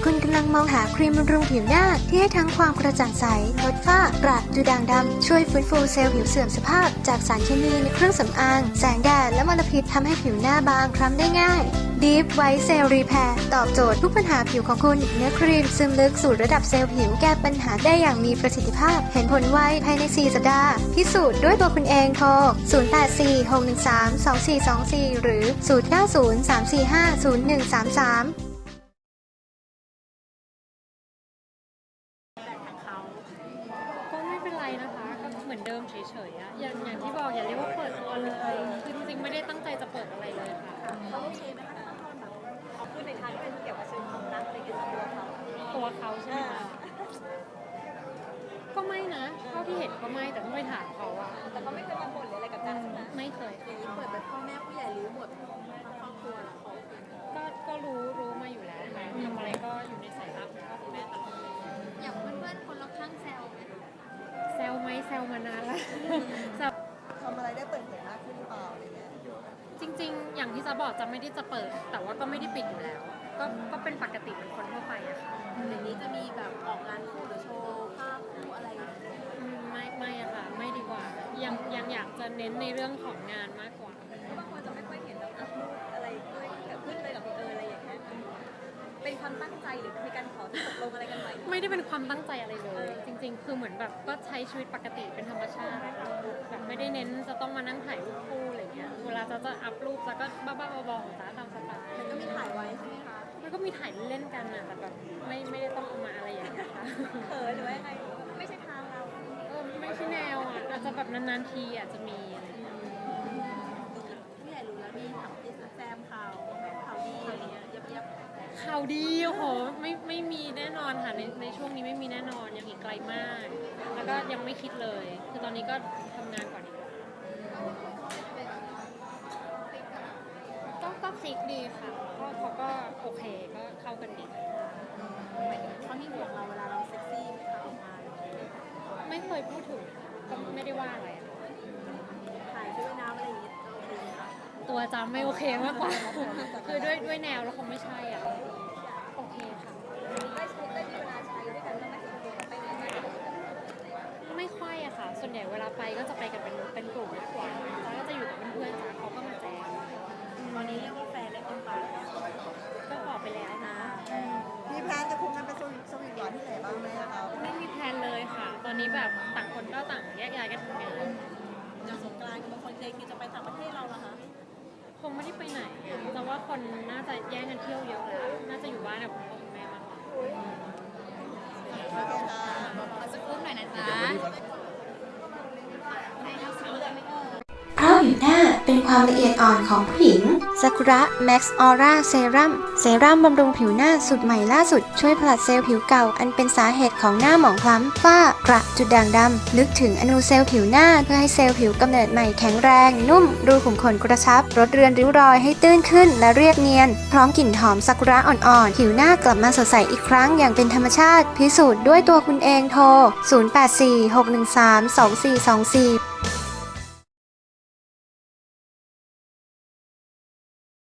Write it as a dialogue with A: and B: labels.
A: คุณกำลังมองหาครีมบำรุงผิวหน้าที่ให้ทั้งความกระจ่างใสลดฝ้ากระดูด่างดำช่วยฟื้นฟูเซลล์ผิวเสื่อมสภาพจากสารเคมีในเครื่องสำอางแสงแดดและมลพิษทำให้ผิวหน้าบางคล้ำได้ง่าย Deep White Cell Repair ตอบโจทย์ทุกปัญหาผิวของคุณเนื้อครีมซึมลึกสู่ระดับเซลล์ผิวแก้ปัญหาได้อย่างมีประสิทธิภาพเห็นผลไวภายใน4สัปดาห์พิสูจน์ด้วยตัวคุณเองโทร0846132424หรือ0903450133
B: ก็ไม่เป็นไรนะคะก็เหมือนเดิมเฉยๆอะอย่างที่บอกอย่าเรียกว่าเปิดตัวเลยคือจริงๆไม่ได้ตั้งใจจะเปิดอะไรเลยค่ะ
C: เขาโอเคไหมคะตอนแบบเขาพูดในทางที่เป็นเกี่ยวกับเชิงความรักอะไรเงี้ย
B: ตัวเขาใช่ไหมคะก็ไม่นะเท่าที่เห็นก็ไม่แต่ต้องไปถามเขาอะ
C: แต่เขาไม่เคยมาบ่นอะไรกับการใช่ไหม
B: ไม่เคย
C: อย่างนี้เปิดแบบพ่อแม่ผู้ใหญ่รู้หมดครอบครัวแล้ว
B: ก็รู้มาอยู่แล้วค่ะทำอะไรก็อยู่ในสายลับของพ่อคุณแม่ตลอด
C: อย่างเพื่อนๆคนรอบข้างแซวไหม
B: แซวไหมแซวมานานแล้ว
C: ทำอะไรได้เปิดเผยมากขึ้นหรือเปล่าอะไรเงี้ย
B: จริงๆอย่างที่จะบอกจะไม่ได้จะเปิดแต่ว่าก็ไม่ได้ปิดอยู่แล้วก็เป็นปกติเหมือนคนทั่วไปอะค่ะ
C: อย่างนี้จะมีแบบออกงานคู่หรือโชว์ภาพคู่อะไร
B: ไม่อะค่ะไม่ดีกว่ายังอยากจะเน้นในเรื่องของงานมากกว่า
C: บางคนจะไม่ค่อยเห็นแบบอัพรูปอะไรด้วยกับเพื่อนเลยกับอะไรอย่างเงี้ยเป็นความตั้งใจหรือมีการขอตกลงอะไรกันไหม
B: ไม่ได้เป็นความตั้งใจอะไรเลยจริงๆคือเหมือนแบบก็ใช้ชีวิตปกติเป็นธรรมชาติแบบไม่ได้เน้นจะต้องมานั่งถ่ายรูปคู่อะไรเงี้ยเวลาจะอัพรูปแล้วก็บ้าๆบอๆของจ้าตามสไตล์
C: แล้วก็มีถ่ายไว้ใช่ไหมคะ
B: มันก็มีถ่ายเล่นกันนะแต่แบบไม่ได้ต้องเอามาอะไรอย่างเงี้ยค่ะ
C: เขินหรือว่ายังไงไม่ใช่ทางเรา
B: ไม่ใช่แนวอ่ะอาจจะแบบนานๆทีอาจจะมี
C: ผู้ใหญ่รู้แล้วมีถามที่แซมข่าวดีอะไรเงี้ยยับ
B: ข่าวดีโอ้โหไม่มีแน่นอนค่ะในช่วงนี้ไม่มีแน่นอนยังอีกไกลมากแล้วก็ยังไม่คิดเลยคือตอนนี้ก็ทำงานก่อนดีกว่าก็คลิกดีค่ะเขาก็โอเคก็เข้ากันดี
C: เขามีห่วงเราเวลาเราเซ็กซี่ไหมคะออกงาน
B: ไม่เคยพูดถึงก็ไม่ได้ว่าอะไร
C: ถ่ายด้วยน้ำอะไรอย่างเงี้ย
B: ตัวจำไม่โอเคมากกว่าคือด้วยแนวแล้วคงไม่ใช่อ่ะโอเคค่ะ
C: ได้มีเวลาใช้ด้วยกันบ้างไหมไปไหน
B: ไม่ค่อยอะค่ะส่วนใหญ่เวลาไปก็จะไปกันเป็นกลุ่มมากกว่าจ้าก็จะอยู่กับเพื่อนๆจ้าเขาก็มาแจม
C: ตอนนี้เรียกว่าแฟนได้คนไป
B: ก็บอกไปแล้วนะ
C: มีแพลนจะคุมกันไปสวีทหวานที่ไหนบ้างไหมคะ
B: ไม่มีแพลนเลยค่ะตอนนี้แบบต่างคนก็ต่างแยกย้ายกันทำงาน
C: อย่างสงกรานต์บางคนเคยคิดจะไปต่างประเทศเราเหรอคะ
B: คงไม่ได้ไปไหนแต่ว่าคนน่าจะแย่งกันเที่ยวเยอะแล้วน่าจะอยู่บ้านกับคุณพ่อคุณแม่มากกว่า
C: เอาสักรูปหน่อยนะจ๊ะ
A: เพราะผิวหน้าเป็นความละเอียดอ่อนของผู้หญิงซากุระแม็กซ์ออร่าเซรั่มบำรุงผิวหน้าสูตรใหม่ล่าสุดช่วยผลัดเซลล์ผิวเก่าอันเป็นสาเหตุของหน้าหมองคล้ำฝ้ากระจุดด่างดำลึกถึงอนูเซลล์ผิวหน้าเพื่อให้เซลล์ผิวกำเนิดใหม่แข็งแรงนุ่มรูขุมขนกระชับลดเรือนริ้วรอยให้ตื้นขึ้นและเรียบเนียนพร้อมกลิ่นหอมซากุระอ่อนๆผิวหน้ากลับมาสดใสอีกครั้งอย่างเป็นธรรมชาติพิสูจน์ด้วยตัวคุณเองโทร0846132424